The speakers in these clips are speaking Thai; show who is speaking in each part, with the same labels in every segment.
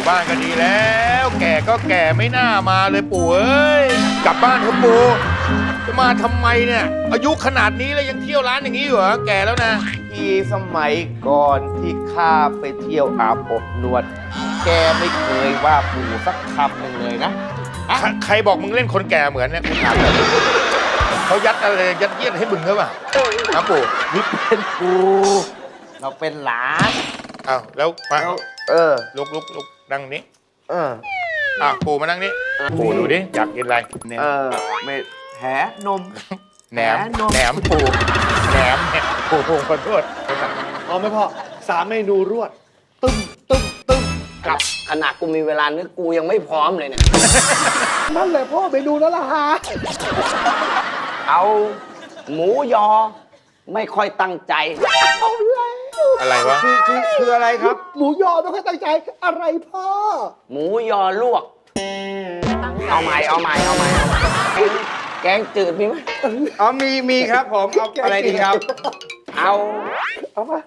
Speaker 1: บ้านก็ดีแล้ว แก่ก็แก่ไม่น่ามาเลยปู่เอ้ยกลับบ้านเถอะปู่จะมาทำไมเนี่ยอายุขนาดนี้แล้วยังเที่ยวร้านอย่างนี้อยู่เหรอแก่แล้วนะ
Speaker 2: ที่สมัยก่อนที่ข้าไปเที่ยวอาบอบนวด แกไม่เคยว่าปู่สักคำหนึ่งเลยนะ
Speaker 1: ใครบอกมึงเล่นคนแก่เหมือนเนี่ยกูถามเลยเขายัดอะไรยัดเยียดให้มึงหรือเปล่าครับปู่
Speaker 2: นี่เป็นปู่เราเป็นหลาน
Speaker 1: อ้าวแล้วมา
Speaker 2: แล้ว
Speaker 1: ลุกนั่งนี้
Speaker 2: เออ
Speaker 1: ปู่มานั่งนี้ปู่ดูดิอยากกินอะไรเนี่ย
Speaker 2: ไม่แหนม
Speaker 1: แหนม
Speaker 2: นม
Speaker 1: แหนมปู่แหนมเนี่ยปู่ขอโทษ
Speaker 3: เอาไหมพ่อ3 เมนูรวด ตึ้มตึ้มตึ้ม
Speaker 4: กับขนาดกูมีเวลานึกกูยังไม่พร้อมเลยเนี่ย
Speaker 3: นั่นแหละพ่อเมนูนั่นแหละฮะ
Speaker 4: เอาหมูยอไม่ค่อยตั้งใจ
Speaker 3: เอาแล้ว
Speaker 1: อะไรวะ
Speaker 2: คืออะไรครับ
Speaker 3: หมูยอไม่ค่อยตั้งใจอะไรพ่อ
Speaker 4: หมูยอลวก เอาใหม่แกงจืดมีไหม
Speaker 2: มีครับผมเอาอะไรดีครับ
Speaker 4: เอา
Speaker 3: เอามา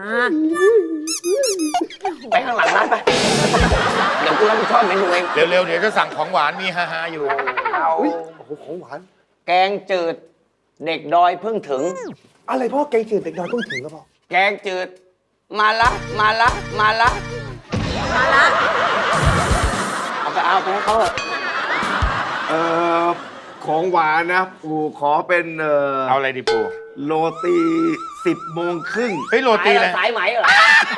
Speaker 4: ไปข้างหลังร้านไป เดี๋ยวกูรับผิดชอบเมนูเอง
Speaker 1: เร็วๆเดี๋ยวจะสั่งของหวานมีฮาๆอยู่
Speaker 4: เอา
Speaker 3: อุ๊ยโอ้โหของหวาน
Speaker 4: แกงจืดเด็กดอยเพิ่งถึง
Speaker 3: อะไรพ่อแกงจืดเด็กน้อยเพิ่งถึงแล้วพ่อ
Speaker 4: แกงจืดมาละเอาไปให้เขาเถอะ
Speaker 2: ของหวานนะ ปู่ขอเป็น
Speaker 1: เอาอะไรดีปู่
Speaker 2: โรตี10 โมงครึ่ง
Speaker 1: เฮ้ยโรตีเลย
Speaker 4: สายไหมเหรอ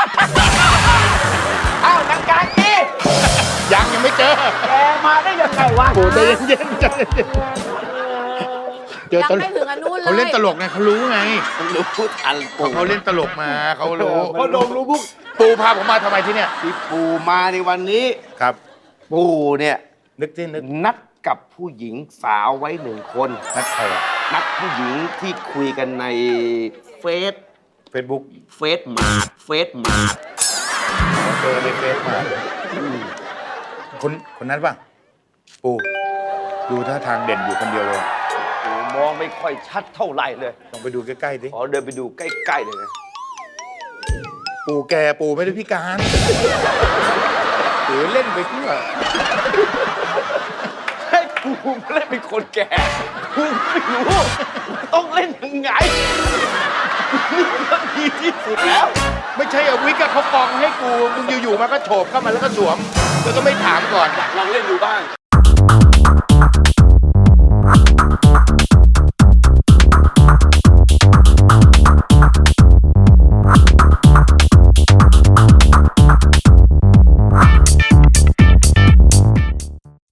Speaker 4: เอ้านังการอี
Speaker 1: ยังไม่เจอ
Speaker 4: แกมาได้ยังไงวะ
Speaker 1: ปู่ใจเย็นๆใจเย็นเจอ
Speaker 5: ยัง
Speaker 1: ตล
Speaker 5: ไม่
Speaker 1: ก
Speaker 5: ถึงอนุเลย
Speaker 1: เขาเล่นตลกไงเขารู้ไง
Speaker 4: รู้ทันปู่
Speaker 1: เขาเล่นตลกมาเขารู้
Speaker 3: พ่อดมรู้บุ๊ก
Speaker 1: ปู่พาผมมาทำไมที่เนี่ย
Speaker 2: ที่ปู่มาในวันนี้
Speaker 1: ครับ
Speaker 2: ปู่เนี่ย
Speaker 1: นึกที่นึก
Speaker 2: นัดกับผู้หญิงสาวไว้1 คน
Speaker 1: นัดใครอะ
Speaker 2: นัดผู้หญิงที่คุยกันในเฟซ
Speaker 1: เฟซบุ๊ก
Speaker 2: เฟซมาร์ท
Speaker 1: เจอในเฟซมาคนนั้นป่ะปู่ดูท่าทางเด่นอยู่คนเดียวเลย
Speaker 2: ปู่มองไม่ค่อยชัดเท่าไหร่เลย
Speaker 1: ลองไปดูใกล้ๆดิ
Speaker 2: ขอเดินไปดูใกล้ๆเลยนะ
Speaker 1: ปู่แกปู่ไม่ได้พิการหรือเล่นไปทั่ว
Speaker 2: ให้ปู่เล่นเป็นคนแก่ปู่ไม่รู้ต้องเล่นยังไงนี่ก็ดีที่สุดแล้ว
Speaker 1: ไม่ใช่เอาวิกอะเขากองให้กูมึงอยู่ๆมาก็โฉบเข้ามาแล้วก็สวมแล้วก็ไม่ถามก่อน
Speaker 2: ลองเล่นดูบ้าง